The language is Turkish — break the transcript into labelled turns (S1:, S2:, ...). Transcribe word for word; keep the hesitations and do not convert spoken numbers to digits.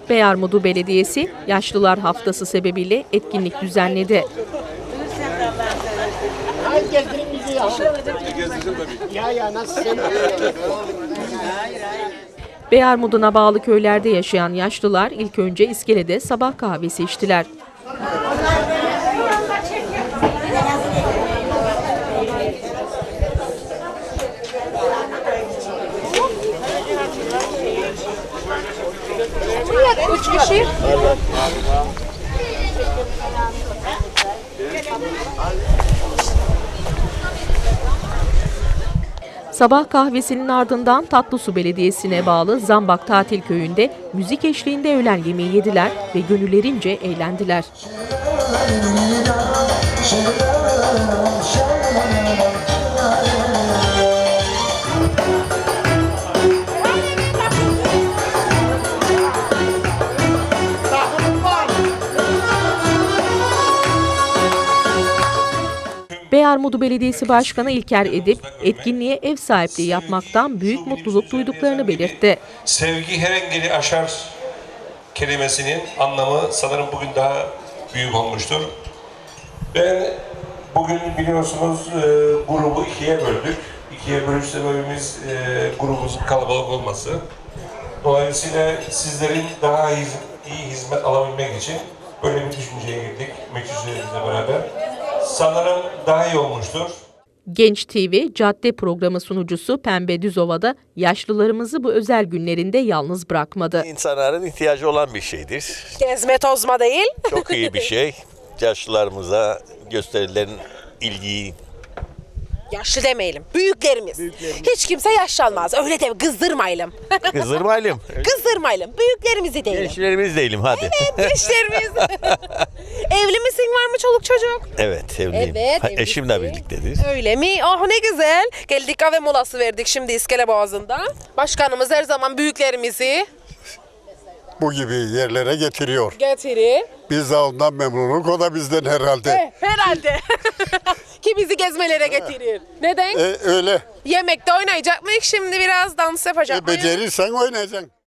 S1: Beyarmudu Belediyesi Yaşlılar Haftası sebebiyle etkinlik düzenledi. Beyarmudu'na bağlı köylerde yaşayan yaşlılar ilk önce iskelede sabah kahvesi içtiler.
S2: Üç kişi.
S1: Sabah kahvesinin ardından Tatlısu Belediyesi'ne bağlı Zambak Tatil Köyü'nde müzik eşliğinde öğlen yemeği yediler ve gönüllerince eğlendiler. Beyarmudu Belediyesi Başkanı İlker Edip, etkinliğe ev sahipliği yapmaktan büyük mutluluk duyduklarını belirtti.
S3: Sevgi her engeli aşar kelimesinin anlamı sanırım bugün daha büyük olmuştur. Ben bugün biliyorsunuz e, grubu ikiye böldük. İkiye bölüş sebebimiz e, grubumuzun kalabalık olması. Dolayısıyla sizlerin daha iyi, iyi hizmet alabilmek için böyle bir düşünceye girdik meclislerimizle beraber. Sanırım daha iyi olmuştur.
S1: Genç T V Cadde programı sunucusu Pembe Düzova'da yaşlılarımızı bu özel günlerinde yalnız bırakmadı.
S4: İnsanların ihtiyacı olan bir şeydir.
S2: Gezme tozma değil.
S4: Çok iyi bir şey. Yaşlılarımıza gösterilen ilgiyi.
S2: Yaşlı demeyelim. Büyüklerimiz. Büyüklerimiz. Hiç kimse yaşlanmaz. Öyle de kızdırmayalım.
S4: Kızdırmayalım.
S2: Kızdırmayalım. Büyüklerimizi diyelim.
S4: Gençlerimiz değilim hadi.
S2: Evet, gençlerimiz. Evli misin? Var mı çoluk çocuk?
S4: Evet, evliyim.
S2: Evet,
S4: Ha,
S2: evlisin.
S4: eşimle birliktedir.
S2: Öyle mi? Oh ne güzel. Geldik kahve molası verdik şimdi İskele Boğazı'nda. Başkanımız her zaman büyüklerimizi
S5: bu gibi yerlere getiriyor.
S2: getirir.
S5: Biz de ondan memnunuk, o da bizden herhalde.
S2: Eh, herhalde. Ki bizi gezmelere getirir. Neden?
S5: E, öyle.
S2: Yemekte oynayacak mıyız? Şimdi biraz dans yapacak
S5: E,
S2: mıyız?
S5: becerirsen oynayacaksın.